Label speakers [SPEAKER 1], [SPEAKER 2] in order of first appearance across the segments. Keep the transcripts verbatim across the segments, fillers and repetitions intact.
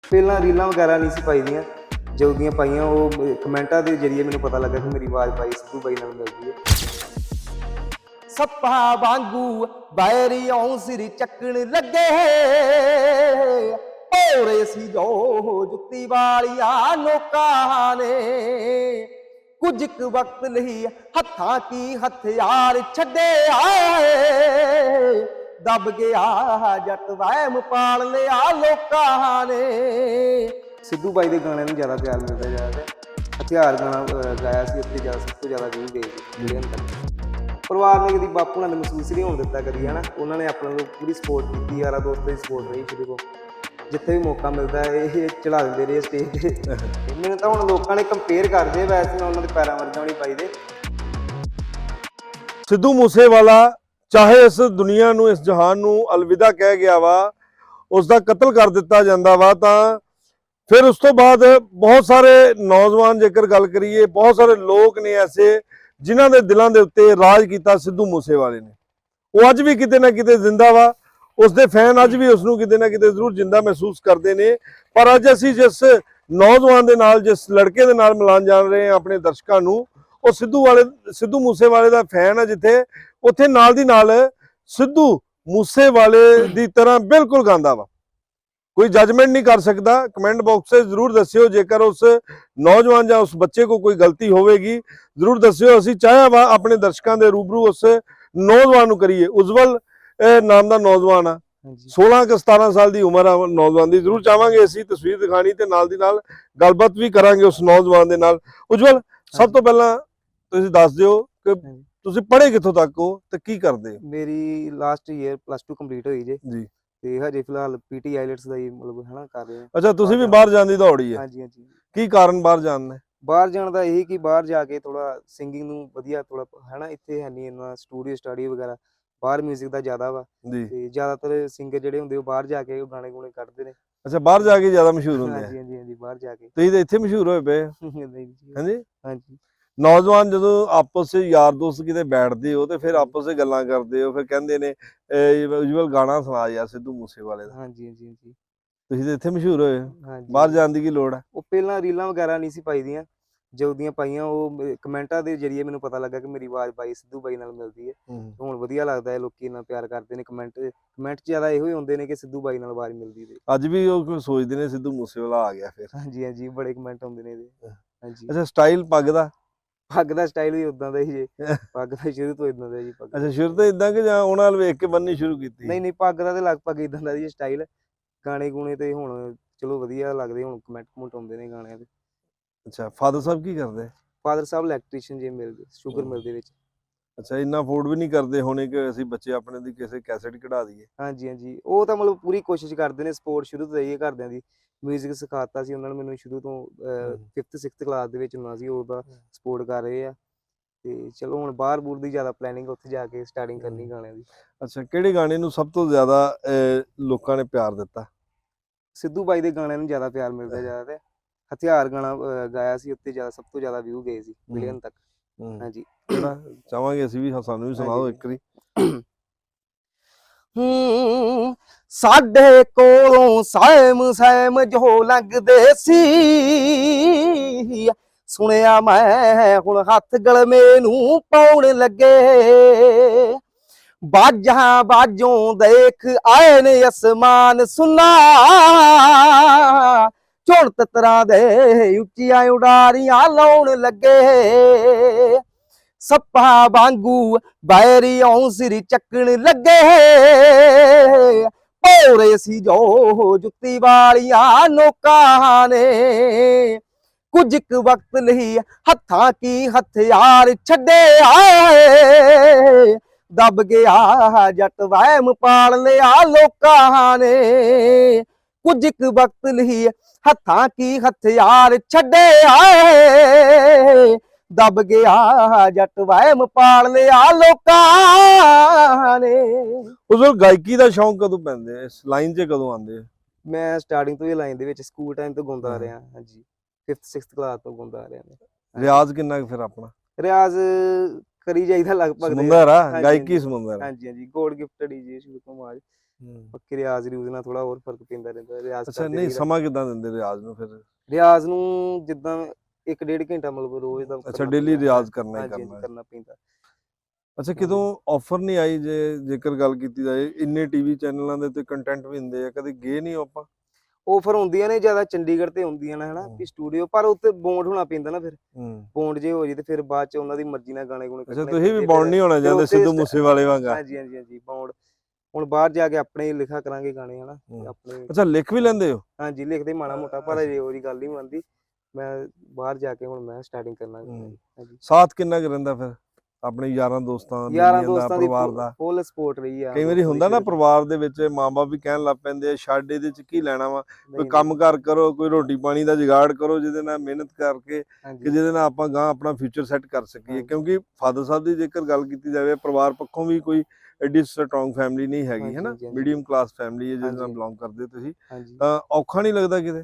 [SPEAKER 1] ਪਹਿਲਾਂ ਰੀਲਾਂ ਵਗੈਰਾ नहीं सी पाई दियां, जो दियां पाइयां वो कमेंटां के जरिए मैंने पता लगा कि मेरी आवाज़ पाई सिद्धू बाई नाल मिलदी है। सप्पा वांगू बैरियों सिर चकन लगे भोरे सी जो जुत्ती वालिया नोकां ने कुछ क वक्त लई हत्थां की हथियार छड्डे आए दब गया जट वहम पाल लिया लोकां ने। सिद्धू बाई के गाने नूं ज़्यादा प्यार मिलता जा रहा है। हथियार गाना गाया सी उत्ते ज़्यादा सब तो ज़्यादा व्यू गए मिलियन तक। परिवार ने कभी बापू ने महसूस नहीं होने दिता कभी है ना, उन्होंने अपने लोग पूरी सपोर्ट की, यारा दोस्तों की सपोर्ट रही शुरू को, जिथे भी मौका मिलता है ये चढ़ा देंगे रहे स्टेज पर। मैंने तो हम लोगों ने कंपेयर करते वैसे मैं उन्होंने पैरों वर्गा नहीं पाई दे।
[SPEAKER 2] सिद्धू मूसेवाला चाहे इस दुनिया नूं इस जहान नूं अलविदा कह गया वा, उसका कतल कर दिता जाता वा, तां फिर उस तो बाद बहुत सारे नौजवान जेकर गल करिए बहुत सारे लोग ने ऐसे जिन्हां दे दिलों के उत्ते राज किया सिद्धू मूसेवाले ने, वो अज भी किते ना किते जिंदा वा, उसके फैन अज भी उसनूं किते ना किते जरूर जिंदा महसूस करते हैं। पर अज असीं जिस नौजवान दे नाल जिस लड़के दे नाल मिलान जान रहे हैं अपने दर्शकों नूं, वो सिद्धू वाले सिद्धू मूसेवाले दा फैन है, जिथे उत्थे नाल दी नाल सिद्धू मूसेवाले दी तरह बिल्कुल गांदा वा। कोई जजमेंट नहीं कर सकता। कमेंट बॉक्स से जरूर दस्सिओ जेकर उस नौजवान या उस बच्चे को कोई गलती होगी, जरूर दस्सिओ। असीं चाहे वा अपने दर्शकों के रूबरू उस नौजवान नूं करिए। उज्जवल नाम का नौजवान आ, सोलह क सतारह साल की उम्र आ नौजवान की। जरूर चाहांगे असीं तस्वीर दिखानी ते नाल दी नाल गलबात भी करांगे उस नौजवान दे नाल। उज्जवल, सब तो पहला तुसीं दस दिओ कि तुसीं पढ़े कित्थों तक हो ते की करदे हो?
[SPEAKER 1] मेरी last year plus two complete हुई जे
[SPEAKER 2] जी,
[SPEAKER 1] ते हजे फिलहाल पीटी आईलेट्स दा ही मतलब है ना कर रहे हैं।
[SPEAKER 2] अच्छा, तुसीं भी बाहर जाण दी दौड़ी है?
[SPEAKER 1] हाँ जी हाँ जी।
[SPEAKER 2] की कारण बाहर जाण दे?
[SPEAKER 1] बाहर जाण दा यही कि बाहर जाके थोड़ा सिंगिंग नूं वधिया थोड़ा है ना, इत्थे है नहीं इन्ना स्टूडियो स्टडी वगैरह, बाहर म्यूजिक दा ज़्यादा वा
[SPEAKER 2] जी,
[SPEAKER 1] ते ज़्यादातर सिंगर जिहड़े हुंदे ओह बाहर जाके गाने गूने कड्डदे ने।
[SPEAKER 2] अच्छा, बाहर जाके ज्यादा मशहूर
[SPEAKER 1] हाँ
[SPEAKER 2] होंदे
[SPEAKER 1] जी
[SPEAKER 2] हैं।
[SPEAKER 1] हाँ जी हाँ जी, बाहर जाके।
[SPEAKER 2] तुसीं ते इत्थे मशहूर होए पे हो।
[SPEAKER 1] नहीं जी।
[SPEAKER 2] हाँ जी,
[SPEAKER 1] हाँ जी।
[SPEAKER 2] नौजवान जदों आपस च यार दोस्त किते बैठदे हो ते फिर आपस च गल्लां करदे हो, फिर कहंदे ने उज्जवल गाना सुना यार सिद्धू मूसेवाले दा।
[SPEAKER 1] हाँ जी हाँ जी हाँ जी।
[SPEAKER 2] तुसीं ते इत्थे मशहूर होए हो,
[SPEAKER 1] हाँ जी।
[SPEAKER 2] बाहर जाण दी की लोड़ है?
[SPEAKER 1] ਉਹ ਪਹਿਲਾਂ ਰੀਲਾਂ ਵਗੈਰਾ ਨਹੀਂ ਸੀ ਪਾਈ ਦੀਆਂ, ਜੋ ਦੀਆਂ ਪਾਈਆਂ ਉਹ ਮੇ- ਕਮੈਂਟਾਂ ਦੇ ਜ਼ਰੀਏ ਮੈਨੂੰ ਪਤਾ ਲੱਗਾ ਕਿ ਮੇਰੀ ਆਵਾਜ਼ ਬਾਈ ਸਿੱਧੂ ਬਾਈ ਨਾਲ ਮਿਲਦੀ ਹੈ। ਤੇ ਹੁਣ ਵਧੀਆ ਲੱਗਦਾ ਹੈ, ਲੋਕੀ ਇੰਨਾ ਪਿਆਰ ਕਰਦੇ ਨੇ। ਕਮੈਂਟ ਕਮੈਂਟ ਜ਼ਿਆਦਾ ਇਹੋ ਹੀ ਹੁੰਦੇ ਨੇ ਕਿ ਸਿੱਧੂ ਬਾਈ ਨਾਲ ਆਵਾਜ਼ ਮਿਲਦੀ ਤੇ।
[SPEAKER 2] ਅੱਜ ਵੀ ਉਹ ਕੋਈ ਸੋਚਦੇ ਨੇ ਸਿੱਧੂ ਮੂਸੇਵਾਲਾ ਆ ਗਿਆ ਫਿਰ।
[SPEAKER 1] ਹਾਂਜੀ ਹਾਂਜੀ, ਬੜੇ ਕਮੈਂਟ ਆਉਂਦੇ ਨੇ ਇਹਦੇ। ਹਾਂਜੀ,
[SPEAKER 2] ਅੱਛਾ, ਸਟਾਈਲ ਪੱਗ ਦਾ?
[SPEAKER 1] ਪੱਗ ਦਾ ਸਟਾਈਲ ਵੀ ਉਦਾਂ ਦਾ ਹੀ ਜੇ, ਪੱਗ ਤਾਂ ਸ਼ੁਰੂ ਤੋਂ ਇਦਾਂ ਦਾ ਜੀ। ਪੱਗ
[SPEAKER 2] ਅੱਛਾ, ਸ਼ੁਰੂ ਤੋਂ ਇਦਾਂ ਕਿ ਜਾਂ ਉਹਨਾਂ ਨਾਲ ਵੇਖ ਕੇ ਬੰਨਣੀ ਸ਼ੁਰੂ ਕੀਤੀ?
[SPEAKER 1] ਨਹੀਂ ਨਹੀਂ, ਪੱਗ ਦਾ ਤੇ ਲਗਭਗ ਇਦਾਂ ਦਾ ਜੀ ਸਟਾਈਲ। ਗਾਣੇ ਗੂਣੇ ਤੇ ਹੁਣ ਚਲੋ ਵਧੀਆ ਲੱਗਦੇ, ਹੁਣ ਕਮੈਂਟ ਕਮੈਂਟ ਆਉਂਦੇ ਨੇ ਗਾਣਿਆਂ ਦੇ।
[SPEAKER 2] ਅੱਛਾ, ਫਾਦਰ ਸਾਹਿਬ ਕੀ ਕਰਦੇ?
[SPEAKER 1] ਫਾਦਰ ਸਾਹਿਬ ਇਲੈਕਟ੍ਰੀਸ਼ੀਅਨ ਜੇ ਮਿਲ ਸ਼ੂਗਰ ਮਿਲ ਦੇ ਵਿੱਚ।
[SPEAKER 2] ਅੱਛਾ, ਇੰਨਾ ਅਫੋਰਡ ਵੀ ਨਹੀਂ ਕਰਦੇ ਹੋਣੇ ਕਿ ਅਸੀਂ ਬੱਚੇ ਆਪਣੇ ਦੀ ਕਿਸੇ ਕੈਸੇਟ ਕਢਾ ਦਈਏ?
[SPEAKER 1] ਹਾਂਜੀ ਹਾਂਜੀ, ਉਹ ਤਾਂ ਮਤਲਬ ਪੂਰੀ ਕੋਸ਼ਿਸ਼ ਕਰਦੇ ਨੇ, ਸਪੋਰਟ ਸ਼ੁਰੂ ਤੋਂ ਰਹੀ ਹੈ ਘਰਦਿਆਂ ਦੀ। ਮਿਊਜ਼ਿਕ ਸਿਖਾਤਾ ਸੀ ਉਹਨਾਂ ਨੇ ਮੈਨੂੰ ਸ਼ੁਰੂ ਤੋਂ, ਫਿਫਥ ਸਿਕਸਥ ਕਲਾਸ ਦੇ ਵਿੱਚ ਹੁੰਦਾ ਸੀ, ਉਹਦਾ ਸਪੋਰਟ ਕਰ ਰਹੇ ਆ। ਤੇ ਚਲੋ ਹੁਣ ਬਾਹਰ ਬੂਰ ਦੀ ਜ਼ਿਆਦਾ ਪਲੈਨਿੰਗ, ਉੱਥੇ ਜਾ ਕੇ ਸਟਾਰਟਿੰਗ ਕਰਨੀ ਗਾਣਿਆਂ ਦੀ।
[SPEAKER 2] ਅੱਛਾ, ਕਿਹੜੇ ਗਾਣੇ ਨੂੰ ਸਭ ਤੋਂ ਜ਼ਿਆਦਾ ਅਹ, ਲੋਕਾਂ ਨੇ ਪਿਆਰ ਦਿੱਤਾ?
[SPEAKER 1] ਸਿੱਧੂ ਬਾਈ ਦੇ ਗਾਣਿਆਂ ਨੂੰ ਜ਼ਿਆਦਾ ਪਿਆਰ ਮਿਲਦਾ ਜ਼ਿਆਦਾ। ਹਥਿਆਰ ਗਾਣਾ ਅਹ, ਗਾਇਆ ਸੀ, ਉੱਤੇ ਜ਼ਿਆਦਾ ਸਭ ਤੋਂ ਜ਼ਿਆਦਾ ਵਿਊ ਗਏ ਸੀ ਮਿਲੀਅਨ ਤੱਕ। ਹਾਂਜੀ,
[SPEAKER 2] ਕਿਹੜਾ ਚਾਹਾਂਗੇ ਅਸੀਂ ਵੀ, ਸਾਨੂੰ ਵੀ ਸੁਣਾਓ ਇੱਕ ਵਾਰੀ।
[SPEAKER 1] ਹੂੰ, ਸਾਡੇ ਕੋਲੋਂ ਸਹਿਮ ਸਹਿਮ ਜੋ ਲੰਘਦੇ ਸੀ, ਸੁਣਿਆ ਮੈਂ ਹੁਣ ਹੱਥ ਗਲਮੇ ਨੂੰ ਪਾਉਣ ਲੱਗੇ। ਬਾਜਾਂ ਬਾਜੋਂ ਦੇਖ ਆਏ ਨੇ ਅਸਮਾਨ ਸੁਨਾ, ਝੁਣ ਤਤਰਾਂ ਦੇ ਉੱਚੀਆਂ ਉਡਾਰੀਆਂ ਲਾਉਣ ਲੱਗੇ। ਸੱਪਾਂ ਵਾਂਗੂ ਬੈਰੀਓਂ ਸਿਰ ਚੱਕਣ ਲੱਗੇ ਭੋਰੇ ਸੀ ਜੋ ਜੁੱਤੀ ਵਾਲੀਆਂ ਨੋਕਾਂ ਨੇ। ਕੁਝ ਕੁ ਵਕਤ ਲਈ ਹੱਥਾਂ ਕੀ ਹਥਿਆਰ ਛੱਡੇ ਆਏ ਦਬ ਗਿਆ ਜੱਟ ਵਹਿਮ ਪਾਲ ਲਿਆ ਲੋਕਾਂ ਨੇ। ਕੁਝ ਕੁ ਵਕਤ ਲਈ ਹੱਥਾਂ ਕੀ ਹਥਿਆਰ ਛੱਡੇ ਆਏ ਦਬ ਗਿਆ ਜੱਟ ਵਹਿਮ ਪਾਲ ਲਿਆ ਲੋਕਾਂ ਨੇ।
[SPEAKER 2] ਉਸ ਵੇਲੇ ਗਾਇਕੀ ਦਾ ਸ਼ੌਂਕ ਕਦੋਂ ਪੈਂਦੇ, ਇਸ ਲਾਈਨ 'ਚ ਕਦੋਂ ਆਉਂਦੇ?
[SPEAKER 1] ਮੈਂ ਸਟਾਰਟਿੰਗ ਤੋਂ ਹੀ ਲਾਈਨ ਦੇ ਵਿੱਚ ਸਕੂਲ ਟਾਈਮ ਤੋਂ ਗਾਉਂਦਾ ਆ ਰਿਹਾ। ਹਾਂਜੀ, ਫਿਫਥ ਸਿਕਸਥ ਕਲਾਸ ਤੋਂ ਗਾਉਂਦਾ ਆ ਰਿਹਾ ਮੈਂ।
[SPEAKER 2] ਰਿਆਜ਼ ਕਿੰਨਾ ਕੁ ਫਿਰ ਆਪਣਾ?
[SPEAKER 1] ਰਿਆਜ਼ ਕਰੀ ਜਾਈਦਾ ਲਗਭਗ।
[SPEAKER 2] ਸਮੁੰਦਰ ਆ, ਗਾਇਕੀ ਸਮੁੰਦਰ।
[SPEAKER 1] ਹਾਂਜੀ ਹਾਂਜੀ, ਗੋਡ ਗਿਫਟਡ ਹੀ ਜੀ ਸ਼ੁਰੂ ਤੋਂ ਆਵਾਜ਼। ਬਾਕੀ ਰਿਆਜ਼ ਰਿਊਜ਼ ਨਾਲ ਥੋੜਾ ਹੋਰ ਫਰਕ ਪੈਂਦਾ ਰਹਿੰਦਾ, ਰਿਆਜ਼
[SPEAKER 2] ਅੱਛਾ
[SPEAKER 1] ਕਰਦੇ
[SPEAKER 2] ਨਹੀਂ
[SPEAKER 1] ਰਹੀਦਾ।
[SPEAKER 2] ਸਮਾਂ ਕਿੱਦਾਂ ਦਿੰਦੇ ਰਿਆਜ਼ ਨੂੰ ਫਿਰ?
[SPEAKER 1] ਰਿਆਜ਼ ਨੂੰ ਜਿੱਦਾਂ ਇੱਕ ਡੇਢ ਘੰਟਾ ਮਤਲਬ ਰੋਜ਼ ਦਾ
[SPEAKER 2] ਅੱਛਾ
[SPEAKER 1] ਕਰਨਾ
[SPEAKER 2] ਡੇਲੀ
[SPEAKER 1] ਪੈਂਦਾ।
[SPEAKER 2] ਰਿਆਜ਼ ਕਰਨਾ ਹੀ
[SPEAKER 1] ਹਾਂਜੀ ਹਾਂਜੀ
[SPEAKER 2] ਕਰਨਾ ਹੈ।
[SPEAKER 1] ਕਰਨਾ ਪੈਂਦਾ।
[SPEAKER 2] ਅੱਛਾ ਕਿਦੋਂ ਆਫਰ ਨਹੀਂ ਆਈ, ਜੇ ਜੇਕਰ ਗੱਲ ਕੀਤੀ ਜਾਏ ਇੰਨੇ ਟੀਵੀ ਚੈਨਲਾਂ ਦੇ ਤੇ ਕੰਟੈਂਟ ਵੀ ਹੁੰਦੇ ਆ, ਕਦੇ ਗਏ ਨਹੀਂ ਆਪਾਂ?
[SPEAKER 1] ਆਫਰ ਹੁੰਦੀਆਂ ਨੇ ਜ਼ਿਆਦਾ ਚੰਡੀਗੜ੍ਹ ਤੇ ਹੁੰਦੀਆਂ ਨੇ ਹਨਾ ਵੀ ਸਟੂਡੀਓ, ਪਰ ਉੱਥੇ ਬੌਂਡ ਹੋਣਾ ਪੈਂਦਾ ਨਾ, ਫਿਰ
[SPEAKER 2] ਹੂੰ
[SPEAKER 1] ਬੌਂਡ ਜੇ ਹੋ ਜੇ ਤੇ ਫਿਰ ਬਾਅਦ ਚ ਉਹਨਾਂ ਦੀ ਮਰਜ਼ੀ ਨਾਲ ਗਾਣੇ ਗੁਣੇ
[SPEAKER 2] ਅੱਛਾ
[SPEAKER 1] ਕੱਢਣੇ
[SPEAKER 2] ਤੁਸੀਂ ਵੀ
[SPEAKER 1] ਪੈਂਦੇ।
[SPEAKER 2] ਬੌਂਡ
[SPEAKER 1] ਫਿਰ
[SPEAKER 2] ਨਹੀਂ ਹੋਣਾ
[SPEAKER 1] ਫਿਰ
[SPEAKER 2] ਚਾਹੁੰਦੇ
[SPEAKER 1] ਉੱਥੇ
[SPEAKER 2] ਸਿੱਧੂ
[SPEAKER 1] ਸਟ-
[SPEAKER 2] ਮੂਸੇਵਾਲੇ ਵਾਂਗਾ?
[SPEAKER 1] ਹਾਂਜੀ ਹਾਂਜੀ ਹਾਂਜੀ ਬੌਂਡ। ਹੁਣ ਬਾਹਰ ਜਾ ਕੇ ਆਪਣੇ ਹੀ ਲਿਖਾ ਕਰਾਂਗੇ ਗਾਣੇ ਹਨਾ, ਤੇ
[SPEAKER 2] ਹੂੰ।
[SPEAKER 1] ਆਪਣੇ।
[SPEAKER 2] ਅੱਛਾ ਲਿਖ ਵੀ ਲੈਂਦੇ ਹੋ?
[SPEAKER 1] ਹਾਂਜੀ ਲਿਖਦੇ ਮਾੜਾ ਮੋਟਾ, ਪਰ ਅਜੇ ਉਹਦੀ ਗੱਲ ਨਹੀਂ ਬਣਦੀ। ਮੈਂ ਬਾਹਰ ਜਾ ਕੇ ਹੁਣ ਮੈਂ ਸਟਾਰਟਿੰਗ ਕਰਨਾ।
[SPEAKER 2] ਹੂੰ।
[SPEAKER 1] ਹਾਂਜੀ
[SPEAKER 2] ਸਾਥ ਕਿੰਨਾ ਕੁ ਰਹਿੰਦਾ ਫਿਰ ਆਪਣੇ ਯਾਰਾਂ ਦੋਸਤਾਂ,
[SPEAKER 1] ਯਾਰਾਂ
[SPEAKER 2] ਬੇਲੀਆਂ ਦਾ,
[SPEAKER 1] ਦੋਸਤਾਂ ਦੀ
[SPEAKER 2] ਪਰਿਵਾਰ ਦਾ?
[SPEAKER 1] ਫੁੱਲ ਸਪੋਰਟ ਰਹੀ ਆ
[SPEAKER 2] ਕਈ ਵਾਰੀ
[SPEAKER 1] ਦੋਸਤਾਂ ਦੀ
[SPEAKER 2] ਹੁੰਦਾ ਨਾ
[SPEAKER 1] ਸ਼ੁਰੂ ਤੋਂ।
[SPEAKER 2] ਪਰਿਵਾਰ ਦੇ ਵਿੱਚ ਮਾਂ-ਬਾਪ ਵੀ ਕਹਿਣ ਲੱਗ ਪੈਂਦੇ ਆ ਛੱਡ ਇਹਦੇ ਚ ਕੀ ਲੈਣਾ ਵਾ, ਕੋਈ
[SPEAKER 1] ਨਹੀਂ
[SPEAKER 2] ਕੰਮ
[SPEAKER 1] ਨਹੀਂ
[SPEAKER 2] ਕਾਰ ਕਰੋ, ਕੋਈ ਰੋਟੀ ਪਾਣੀ ਦਾ ਜੁਗਾੜ ਕਰੋ ਜਿਹਦੇ ਨਾਲ ਮਿਹਨਤ ਕਰਕੇ ਕਿ
[SPEAKER 1] ਹਾਂਜੀ
[SPEAKER 2] ਜਿਹਦੇ ਨਾਲ ਆਪਾਂ ਗਾਂ ਆਪਣਾ ਫਿਊਚਰ ਸੈੱਟ ਕਰ ਸਕੀਏ।
[SPEAKER 1] ਹਾਂਜੀ
[SPEAKER 2] ਕਿਉਂਕਿ ਫਾਦਰ ਸਾਹਿਬ ਦੀ ਜੇਕਰ ਗੱਲ ਕੀਤੀ ਜਾਵੇ ਪਰਿਵਾਰ ਪੱਖੋਂ ਵੀ ਕੋਈ ਐਡੀ ਸਟਰੋਂਗ ਫੈਮਿਲੀ ਨਹੀਂ ਹੈਗੀ, ਹੈ
[SPEAKER 1] ਹਾਂਜੀ
[SPEAKER 2] ਨਾ,
[SPEAKER 1] ਹਾਂਜੀ ਹਾਂਜੀ
[SPEAKER 2] ਮੀਡੀਅਮ ਕਲਾਸ ਫੈਮਿਲੀ ਹੈ ਜਿਹਦੇ ਨਾਲ
[SPEAKER 1] ਹਾਂਜੀ
[SPEAKER 2] ਬਿਲੋਂਗ ਕਰਦੇ ਤੁਸੀਂ,
[SPEAKER 1] ਹਾਂਜੀ
[SPEAKER 2] ਤਾਂ ਔਖਾ ਨਹੀਂ ਲੱਗਦਾ ਕਿਤੇ?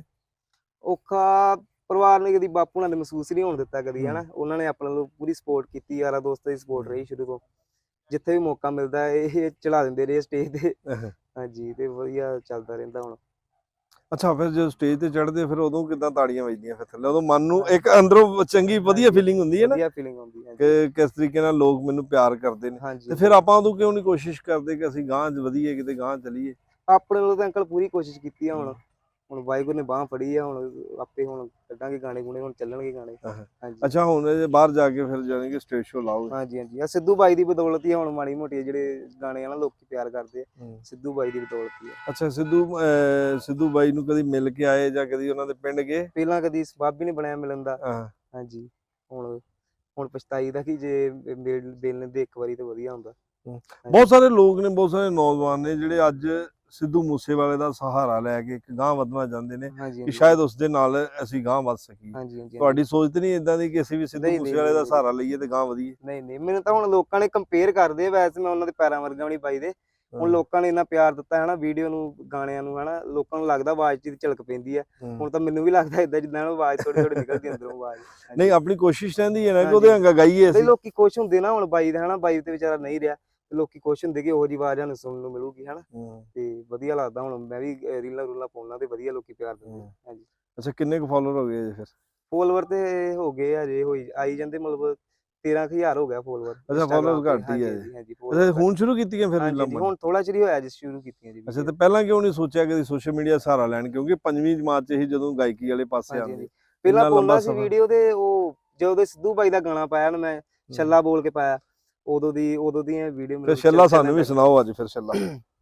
[SPEAKER 1] ਔਖਾ ਪਰਿਵਾਰ ਨੇ ਕਦੀ ਬਾਪੂ ਨਾਲ ਮਹਿਸੂਸ ਨਹੀਂ ਹੋਣ ਦਿੱਤਾ ਕਦੀ
[SPEAKER 2] ਹੂੰ।
[SPEAKER 1] ਹਨਾ, ਉਹਨਾਂ ਨੇ ਆਪਣੇ ਨੂੰ ਪੂਰੀ ਸਪੋਰਟ ਕੀਤੀ, ਯਾਰਾਂ ਦੋਸਤਾਂ ਦੀ ਸਪੋਰਟ
[SPEAKER 2] ਹੂੰ।
[SPEAKER 1] ਰਹੀ ਸ਼ੁਰੂ ਤੋਂ। ਜਿੱਥੇ ਵੀ ਮੌਕਾ ਮਿਲਦਾ ਇਹ ਚੜਾ ਦਿੰਦੇ ਰਹੇ ਸਟੇਜ ਤੇ।
[SPEAKER 2] ਅਹ।
[SPEAKER 1] ਹਾਂਜੀ ਤੇ ਵਧੀਆ ਚੱਲਦਾ ਰਹਿੰਦਾ ਹੁਣ।
[SPEAKER 2] ਅੱਛਾ ਫਿਰ ਜਦੋਂ ਸਟੇਜ ਤੇ ਚੜ੍ਹਦੇ ਫਿਰ ਉਦੋਂ ਕਿੱਦਾਂ ਤਾੜੀਆਂ ਵੱਜਦੀਆਂ ਫਿਰ ਥੱਲੇ? ਉਦੋਂ ਮਨ ਨੂੰ
[SPEAKER 1] ਹਾਂ-
[SPEAKER 2] ਇੱਕ ਅੰਦਰੋਂ ਚੰਗੀ ਵਧੀਆ
[SPEAKER 1] ਹਾਂਜੀ
[SPEAKER 2] ਫੀਲਿੰਗ ਹੁੰਦੀ ਹੈ ਨਾ
[SPEAKER 1] ਵਧੀਆ ਫੀਲਿੰਗ ਆਉਂਦੀ। ਹਾਂਜੀ
[SPEAKER 2] ਕਿ ਕਿਸ ਤਰੀਕੇ ਨਾਲ ਲੋਕ ਮੈਨੂੰ ਪਿਆਰ ਕਰਦੇ ਨੇ,
[SPEAKER 1] ਹਾਂਜੀ
[SPEAKER 2] ਤੇ ਫਿਰ ਆਪਾਂ ਉਦੋਂ ਕਿਉਂ ਨਹੀਂ ਕੋਸ਼ਿਸ਼ ਕਰਦੇ ਕਿ ਅਸੀਂ ਗਾਂਹ ਵਧੀਏ, ਕਿਤੇ ਗਾਂਹ ਚੱਲੀਏ?
[SPEAKER 1] ਆਪਣੇ ਵੱਲੋਂ ਤਾਂ ਅੰਕਲ ਪੂਰੀ ਕੋਸ਼ਿਸ਼ ਕੀਤੀ ਆ। ਹੁਣ ਹੁਣ ਵਾਹਿਗੁਰੂ ਨੇ ਬਾਂਹ ਫੜੀ ਆ, ਹੁਣ ਆਪੇ ਹੁਣ ਕੱਢਾਂਗੇ ਗਾਣੇ ਗੁਣੇ, ਹੁਣ ਚੱਲਣਗੇ ਗਾਣੇ। ਹਾਂਜੀ
[SPEAKER 2] ਅੱਛਾ ਹੁਣ ਇਹ ਬਾਹਰ ਜਾ ਕੇ ਫਿਰ ਜਾਣੀ ਕਿ ਸਟੇਜ ਸ਼ੋ ਲਾਓਗੇ?
[SPEAKER 1] ਹਾਂਜੀ ਹਾਂਜੀ ਆ ਸਿੱਧੂ ਬਾਈ ਦੀ ਬਦੌਲਤ ਹੀ ਆ ਹੁਣ ਮਾੜੀ ਮੋਟੀ ਜਿਹੜੇ ਗਾਣੇ ਆ ਨਾ ਲੋਕੀ ਪਿਆਰ ਕਰਦੇ ਆ, ਸਿੱਧੂ ਬਾਈ ਦੀ ਬਦੌਲਤ ਹੀ ਆ।
[SPEAKER 2] ਅੱਛਾ ਸਿੱਧੂ ਅਹ ਸਿੱਧੂ ਬਾਈ ਨੂੰ ਕਦੀ ਮਿਲ ਕੇ ਆਏ ਜਾਂ ਕਦੀ ਉਹਨਾਂ ਦੇ ਪਿੰਡ ਗਏ?
[SPEAKER 1] ਪਹਿਲਾਂ ਕਦੀ ਸਬੱਬ ਹੀ ਨਹੀਂ ਬਣਿਆ ਮਿਲਣ ਦਾ।
[SPEAKER 2] ਹਾਂ।
[SPEAKER 1] ਹਾਂਜੀ ਹੁਣ ਹੁਣ ਪਛਤਾਈ ਦਾ ਕਿ ਜੇ ਮਿਲ ਮਿਲ ਲੈਂਦੇ ਇੱਕ ਵਾਰੀ ਤਾਂ ਵਧੀਆ ਹੁੰਦਾ।
[SPEAKER 2] ਬਹੁਤ ਸਾਰੇ ਲੋਕ ਨੇ, ਬਹੁਤ ਸਾਰੇ ਨੌਜਵਾਨ ਨੇ ਜਿਹੜੇ ਅੱਜ ਸਿੱਧੂ ਮੂਸੇਵਾਲੇ ਦਾ ਸਹਾਰਾ ਲੈ ਕੇ ਇੱਕ ਗਾਂਹ ਵਧਣਾ ਚਾਹੁੰਦੇ ਨੇ
[SPEAKER 1] ਹਾਂਜੀ
[SPEAKER 2] ਕਿ
[SPEAKER 1] ਹਾਂਜੀ
[SPEAKER 2] ਸ਼ਾਇਦ ਉਸ ਦੇ ਨਾਲ ਅਸੀਂ ਗਾਂਹ ਵੱਧ ਸਕੀਏ।
[SPEAKER 1] ਹਾਂਜੀ ਹਾਂਜੀ
[SPEAKER 2] ਤੁਹਾਡੀ ਸੋਚ ਤੇ ਨਹੀਂ ਇਦਾਂ ਦੀ ਕਿ ਅਸੀਂ ਵੀ ਸਿੱਧੂ
[SPEAKER 1] ਨਹੀਂ ਨਹੀਂ
[SPEAKER 2] ਮੂਸੇਵਾਲੇ ਦਾ
[SPEAKER 1] ਨਹੀਂ
[SPEAKER 2] ਸਹਾਰਾ ਲਈਏ ਤੇ ਗਾਂਹ ਵਧੀਏ?
[SPEAKER 1] ਨਹੀਂ ਨਹੀਂ ਮੈਨੂੰ ਤਾਂ ਹੁਣ ਲੋਕਾਂ ਨੇ ਕੰਪੇਅਰ ਕਰਦੇ ਆ, ਵੈਸੇ ਮੈਂ ਉਹਨਾਂ ਦੇ ਪੈਰਾਂ ਵਰਗਾ ਵੀ ਨਹੀਂ ਬਾਈ ਦੇ। ਹੁਣ ਲੋਕਾਂ ਨੇ ਇੰਨਾ ਪਿਆਰ ਦਿੱਤਾ ਹੈ ਨਾ ਵੀਡੀਓ ਨੂੰ, ਗਾਣਿਆਂ ਨੂੰ, ਹਨਾ ਲੋਕਾਂ ਨੂੰ ਲੱਗਦਾ ਆਵਾਜ਼ 'ਚ ਝਲਕ ਪੈਂਦੀ ਆ। ਹੁਣ ਤਾਂ ਮੈਨੂੰ ਵੀ ਲੱਗਦਾ ਇਦਾਂ ਜਿੱਦਾਂ ਆਵਾਜ਼ ਥੋੜੀ ਥੋੜੀ ਨਿਕਲਦੀ ਅੰਦਰੋਂ ਆਵਾਜ਼।
[SPEAKER 2] ਨਹੀਂ ਆਪਣੀ ਕੋਸ਼ਿਸ਼ ਰਹਿੰਦੀ ਹੈ ਨਾ ਕਿ ਉਹਦੇ ਹੰਗਾ ਗਾਈਏ
[SPEAKER 1] ਨਹੀਂ
[SPEAKER 2] ਅਸੀਂ।
[SPEAKER 1] ਲੋਕੀ ਖੁਸ਼ ਹੁੰਦੇ ਨਾ ਹੁਣ ਬਾਈ ਦਾ, ਹਨਾ ਬਾਈ ਤੇ ਵਿਚਾਰਾ ਨਹੀਂ ਰਿਹਾ, ਲੋਕੀ ਖੁਸ਼ ਹੁੰਦੇ ਕਿ ਉਹੋ ਜਿਹੀ ਆਵਾਜ਼ ਸਾਨੂੰ ਸੁਣਨ ਨੂੰ ਮਿਲੂਗੀ ਹਨਾ, ਤੇ ਵਧੀਆ ਲੱਗਦਾ। ਹੁਣ ਮੈਂ ਵੀ ਰੀਲਾਂ ਰੂਲਾਂ ਪਾਉਣਾ ਤੇ ਵਧੀਆ ਲੋਕੀ ਪਿਆਰ ਦਿੰਦੇ। ਹਾਂਜੀ
[SPEAKER 2] ਅੱਛਾ ਕਿੰਨੇ ਕੁ ਫਾਲੋਅਰ ਹੋ ਗਏ ਫਿਰ?
[SPEAKER 1] ਫੋਲੋਵਰ ਤੇ ਹੋ ਗਏ ਹਜੇ ਹੋਈ ਆਈ ਜਾਂਦੇ, ਮਤਲਬ ਤੇਰਾਂ ਕੁ ਹਜ਼ਾਰ ਹੋ ਗਿਆ ਫੋਲੋਵਰ
[SPEAKER 2] ਅੱਛਾ ਫਾਲੋਅਰ
[SPEAKER 1] ਇੰਸਟਾਗ੍ਰਾਮ ਤੇ।
[SPEAKER 2] ਘੱਟ ਹੀ
[SPEAKER 1] ਹਾਂਜੀ
[SPEAKER 2] ਹੈ
[SPEAKER 1] ਹਾਂਜੀ ਹਾਂਜੀ
[SPEAKER 2] ਅੱਛਾ
[SPEAKER 1] ਫੋਲੋਵਰ
[SPEAKER 2] ਹੁਣ ਸ਼ੁਰੂ ਕੀਤੀਆਂ ਫਿਰ
[SPEAKER 1] ਹਾਂਜੀ
[SPEAKER 2] ਰੀਲਾਂ
[SPEAKER 1] ਹਾਂਜੀ
[SPEAKER 2] ਪਾਉਣੀਆਂ?
[SPEAKER 1] ਹੁਣ ਥੋੜਾ ਚਿਰ ਹੀ ਹੋਇਆ ਜਿਸ ਸ਼ੁਰੂ ਕੀਤੀਆਂ ਜੀ।
[SPEAKER 2] ਅੱਛਾ ਤੇ ਪਹਿਲਾਂ ਕਿਉਂ ਨਹੀਂ ਸੋਚਿਆ ਕਿ ਸੋਸ਼ਲ ਮੀਡੀਆ ਸਹਾਰਾ ਲੈਣ? ਕਿਉਂਕਿ ਪੰਜਵੀਂ ਜਮਾਤ 'ਚ ਹੀ ਜਦੋਂ ਗਾਇਕੀ ਵਾਲੇ ਪਾਸੇ
[SPEAKER 1] ਹਾਂਜੀ
[SPEAKER 2] ਆਉਂਦੇ
[SPEAKER 1] ਹਾਂਜੀ ਪਹਿਲਾਂ
[SPEAKER 2] ਇੰਨਾ ਲੰਬਾ
[SPEAKER 1] ਪਾਉਣਾ ਸੀ
[SPEAKER 2] ਸਫ਼ਰ।
[SPEAKER 1] ਵੀਡੀਓ, ਤੇ ਉਹ ਜਦੋਂ ਦੇ ਸਿੱਧੂ ਬਾਈ ਦਾ ਗਾਣਾ ਪਾਇਆ ਨਾ ਮੈਂ ਛੱਲਾ ਬੋਲ ਕੇ ਪਾਇਆ, ਉਦੋਂ ਦੀ ਉਦੋਂ ਦੀਆਂ ਵੀਡੀਓ
[SPEAKER 2] ਫਿਰ
[SPEAKER 1] ਮਤਲਬ
[SPEAKER 2] ਛੱਲਾ ਸਾਨੂੰ
[SPEAKER 1] ਚੱਲਣ
[SPEAKER 2] ਵੀ
[SPEAKER 1] ਲੱਗ
[SPEAKER 2] ਸੁਣਾਓ ਅੱਜ ਫਿਰ ਛੱਲਾ।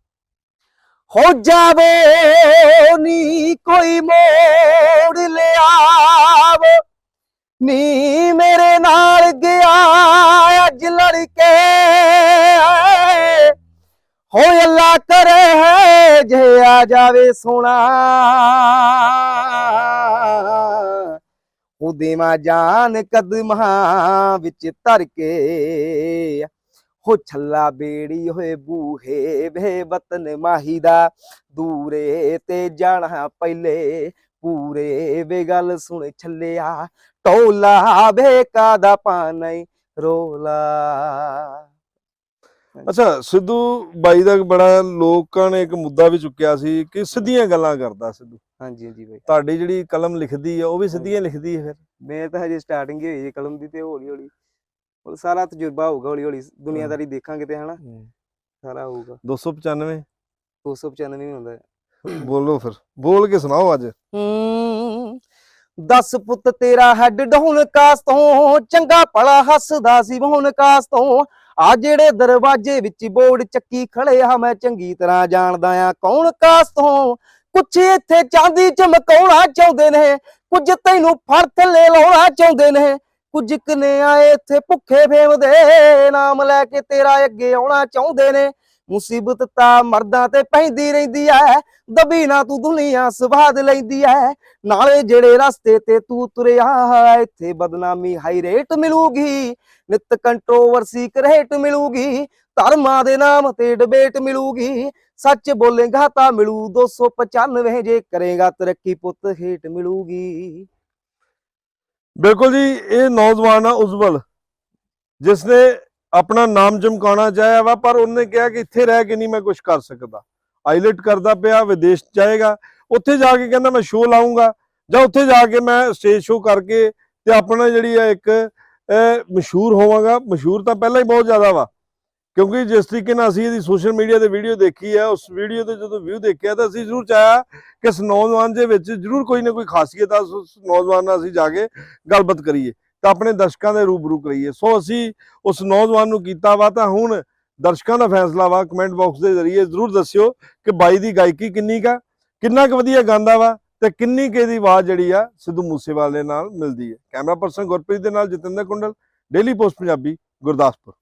[SPEAKER 1] ਹੋ ਜਾਵੇ ਨੀ ਕੋਈ ਮੋੜ ਲਿਆਵ ਨੀ ਮੇਰੇ ਨਾਲ ਗਿਆ ਅੱਜ ਲੜਕੇ, ਹੋ ਅੱਲਾ ਕਰੇ ਹੈ ਜੇ ਆ ਜਾਵੇ ਸੋਣਾ, ਉਹ ਦੇਵਾਂ ਜਾਨ ਕਦਮਾਂ ਵਿੱਚ ਧਰ ਕੇ, ਹੋ ਛੱਲਾ ਬੇੜੀ ਹੋਏ ਬੂਹੇ ਵੇ ਵਤਨ ਮਾਹੀ ਦਾ, ਦੂਰੇ ਤੇ ਜਾਣਾ ਪਹਿਲੇ ਪੂਰੇ ਵੇ ਗੱਲ ਸੁਣ ਛੱਲਿਆ, ਟੋਲਾ ਵੇਕਾ ਦਾ ਪਾਣੀ ਰੋਲਾ।
[SPEAKER 2] ਅੱਛਾ ਸਿੱਧੂ ਬਾਈ ਦਾ ਬੜਾ ਲੋਕਾਂ ਨੇ ਇੱਕ ਮੁੱਦਾ ਵੀ ਚੁੱਕਿਆ ਸੀ ਕਿ ਸਿੱਧੀਆਂ ਗੱਲਾਂ ਕਰਦਾ ਸਿੱਧੂ।
[SPEAKER 1] ਹਾਂਜੀ ਹਾਂਜੀ ਬਾਈ
[SPEAKER 2] ਤੁਹਾਡੀ ਜਿਹੜੀ ਕਲਮ ਲਿਖਦੀ ਆ ਉਹ ਵੀ ਸਿੱਧੀਆਂ ਲਿਖਦੀ ਹੈ ਫਿਰ?
[SPEAKER 1] ਮੈਂ ਤਾਂ ਹਜੇ ਸਟਾਰਟਿੰਗ ਹੀ ਹੋਈ ਜੀ ਕਲਮ ਦੀ, ਤੇ ਹੌਲੀ ਹੌਲੀ ਸਾਰਾ ਤਜਰਬਾ ਹੋਊਗਾ, ਹੌਲੀ ਹੌਲੀ ਦੁਨੀਆਦਾਰੀ ਦੇਖਾਂਗੇ ਤੇ ਹਨਾ ਸਾਰਾ ਹੋਊਗਾ।
[SPEAKER 2] ਦੋ ਸੌ ਪਚਾਨਵੇਂ
[SPEAKER 1] ਦੋ ਸੌ ਪਚਾਨਵੇਂ ਹੁੰਦਾ।
[SPEAKER 2] ਬੋਲੋ ਫਿਰ, ਬੋਲ ਕੇ ਸੁਣਾਓ ਅੱਜ।
[SPEAKER 1] ਹੂੰ ਦਸ ਪੁੱਤ ਤੇਰਾ ਹੈਡ ਡਾਊਨ ਕਾਸ ਤੋਂ, ਚੰਗਾ ਭਲਾ ਹੱਸਦਾ ਸੀ ਮੋਹਨ ਕਾਸ ਤੋਂ, ਆ ਜਿਹੜੇ ਦਰਵਾਜ਼ੇ ਵਿੱਚ ਬੋਰਡ ਚੱਕੀ ਖੜੇ ਆ ਮੈਂ ਚੰਗੀ ਤਰ੍ਹਾਂ ਜਾਣਦਾ ਆ ਕੌਣ ਕਾਸ ਤੋਂ, ਕੁਛ ਇੱਥੇ ਚਾਂਦੀ ਚਮਕਾਉਣਾ ਚਾਹੁੰਦੇ ਨੇ, ਕੁਝ ਤੈਨੂੰ ਫੜ ਥੱਲੇ ਲਾਉਣਾ ਚਾਹੁੰਦੇ ਨੇ, ਕੁਝ ਕਨੇ ਆਏ ਇੱਥੇ ਭੁੱਖੇ ਫੇਮ ਦੇ ਨਾਮ ਲੈ ਕੇ ਤੇਰਾ ਅੱਗੇ ਆਉਣਾ ਚਾਹੁੰਦੇ ਨੇ, ਮੁਸੀਬਤ ਤਾਂ ਮਰਦਾਂ ਤੇ ਪੈਂਦੀ ਰਹਿੰਦੀ ਐ, ਦਬੀ ਨਾ ਤੂੰ ਦੁਨੀਆ ਸਵਾਦ ਲੈਂਦੀ ਐ, ਨਾਲੇ ਜਿਹੜੇ ਰਸਤੇ ਤੇ ਤੂੰ ਤੁਰਿਆ ਇੱਥੇ ਬਦਨਾਮੀ ਹਾਈ ਰੇਟ ਮਿਲੂਗੀ, ਨਿਤ ਕੰਟਰੋਵਰਸੀ ਕਰੇਟ ਮਿਲੂਗੀ, ਧਰਮਾਂ ਦੇ ਨਾਮ ਤੇ ਡਿਬੇਟ ਮਿਲੂਗੀ, ਸੱਚ ਬੋਲੇਗਾ ਤਾਂ ਮਿਲੂ ਦੋ ਸੌ ਪਚਾਨਵੇਂ, ਜੇ ਕਰੇਗਾ ਤਰੱਕੀ ਪੁੱਤ ਹੇਟ ਮਿਲੂਗੀ।
[SPEAKER 2] ਬਿਲਕੁਲ ਜੀ, ਇਹ ਨੌਜਵਾਨ ਆ ਉਜਵਲ, ਜਿਸਨੇ ਆਪਣਾ ਨਾਮ ਚਮਕਾਉਣਾ ਚਾਹਿਆ ਵਾ, ਪਰ ਉਹਨੇ ਕਿਹਾ ਕਿ ਇੱਥੇ ਰਹਿ ਕੇ ਨਹੀਂ ਮੈਂ ਕੁਝ ਕਰ ਸਕਦਾ, ਆਈਲੈਟ ਕਰਦਾ ਪਿਆ, ਵਿਦੇਸ਼ ਜਾਏਗਾ, ਉੱਥੇ ਜਾ ਕੇ ਕਹਿੰਦਾ ਮੈਂ ਸ਼ੋਅ ਲਾਉਂਗਾ, ਜਾਂ ਉੱਥੇ ਜਾ ਕੇ ਮੈਂ ਸਟੇਜ ਸ਼ੋਅ ਕਰਕੇ ਤੇ ਆਪਣਾ ਜਿਹੜੀ ਹੈ ਇੱਕ ਮਸ਼ਹੂਰ ਹੋਵਾਂਗਾ। ਮਸ਼ਹੂਰ ਤਾਂ ਪਹਿਲਾਂ ਹੀ ਬਹੁਤ ਜ਼ਿਆਦਾ ਵਾ, ਕਿਉਂਕਿ ਜਿਸ ਤਰੀਕੇ ਨਾਲ ਅਸੀਂ ਇਹਦੀ ਸੋਸ਼ਲ ਮੀਡੀਆ ਤੇ ਵੀਡੀਓ ਦੇਖੀ ਹੈ, ਉਸ ਵੀਡੀਓ ਤੇ ਜਦੋਂ ਵਿਊ ਦੇਖਿਆ ਤਾਂ ਅਸੀਂ ਜ਼ਰੂਰ ਚਾਹਿਆ ਕਿ ਇਸ ਨੌਜਵਾਨ ਦੇ ਵਿੱਚ ਜ਼ਰੂਰ ਕੋਈ ਨਾ ਕੋਈ ਖਾਸੀਅਤ ਆ, ਉਸ ਨੌਜਵਾਨ ਨਾਲ ਅਸੀਂ ਜਾ ਕੇ ਗੱਲਬਾਤ ਕਰੀਏ ਤਾਂ ਆਪਣੇ ਦਰਸ਼ਕਾਂ ਦੇ ਰੂਬਰੂ ਕਰੀਏ। ਸੋ ਅਸੀਂ ਉਸ ਨੌਜਵਾਨ ਨੂੰ ਕੀਤਾ ਵਾ, ਤਾਂ ਹੁਣ ਦਰਸ਼ਕਾਂ ਦਾ ਫੈਸਲਾ ਵਾ। ਕਮੈਂਟ ਬਾਕਸ ਦੇ ਜ਼ਰੀਏ ਜ਼ਰੂਰ ਦੱਸਿਓ ਕਿ ਬਾਈ ਦੀ ਗਾਇਕੀ ਕਿੰਨੀ ਕਾ, ਕਿੰਨਾ ਕੁ ਵਧੀਆ ਗਾਉਂਦਾ ਵਾ ਤੇ ਕਿੰਨੀ ਕੁ ਇਹਦੀ ਆਵਾਜ਼ ਜਿਹੜੀ ਆ ਸਿੱਧੂ ਮੂਸੇਵਾਲੇ ਨਾਲ ਮਿਲਦੀ ਹੈ। ਕੈਮਰਾ ਪਰਸਨ ਗੁਰਪ੍ਰੀਤ ਦੇ ਨਾਲ ਜਤਿੰਦਰ ਕੁੰਡਲ, ਡੇਲੀ ਪੋਸਟ ਪੰਜਾਬੀ, ਗੁਰਦਾਸਪੁਰ।